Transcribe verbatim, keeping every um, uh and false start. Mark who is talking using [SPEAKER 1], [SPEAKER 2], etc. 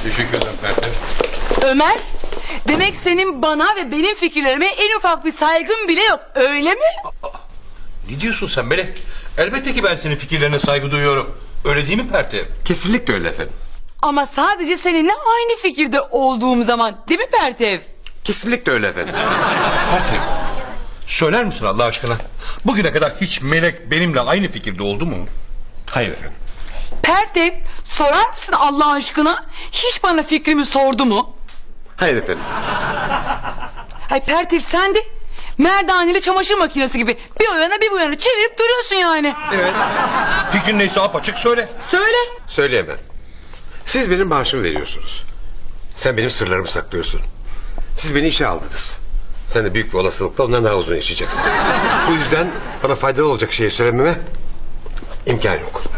[SPEAKER 1] Teşekkür ederim Pertev.
[SPEAKER 2] Ömer, demek senin bana ve benim fikirlerime en ufak bir saygın bile yok, öyle mi?
[SPEAKER 1] Ne diyorsun sen Melek? Elbette ki ben senin fikirlerine saygı duyuyorum. Öyle değil mi Pertev?
[SPEAKER 3] Kesinlikle öyle efendim.
[SPEAKER 2] Ama sadece seninle aynı fikirde olduğum zaman, değil mi Pertev?
[SPEAKER 3] Kesinlikle öyle efendim.
[SPEAKER 1] Pertev, söyler misin Allah aşkına? Bugüne kadar hiç Melek benimle aynı fikirde oldu mu?
[SPEAKER 3] Hayır efendim.
[SPEAKER 2] Pertev, sorar mısın Allah aşkına? Hiç bana fikrimi sordu mu?
[SPEAKER 3] Hayır efendim.
[SPEAKER 2] Ay Pertev, sen de merdaneli çamaşır makinesi gibi bir o yana bir bu yana çevirip duruyorsun yani.
[SPEAKER 1] Evet. Fikrin neyse apaçık söyle.
[SPEAKER 2] Söyle.
[SPEAKER 3] Söyleyemem. Siz benim maaşımı veriyorsunuz. Sen benim sırlarımı saklıyorsun. Siz beni işe aldınız. Sen de büyük bir olasılıkla ondan daha uzun yaşayacaksın. Bu yüzden bana faydalı olacak şeyi söylememe imkan yok.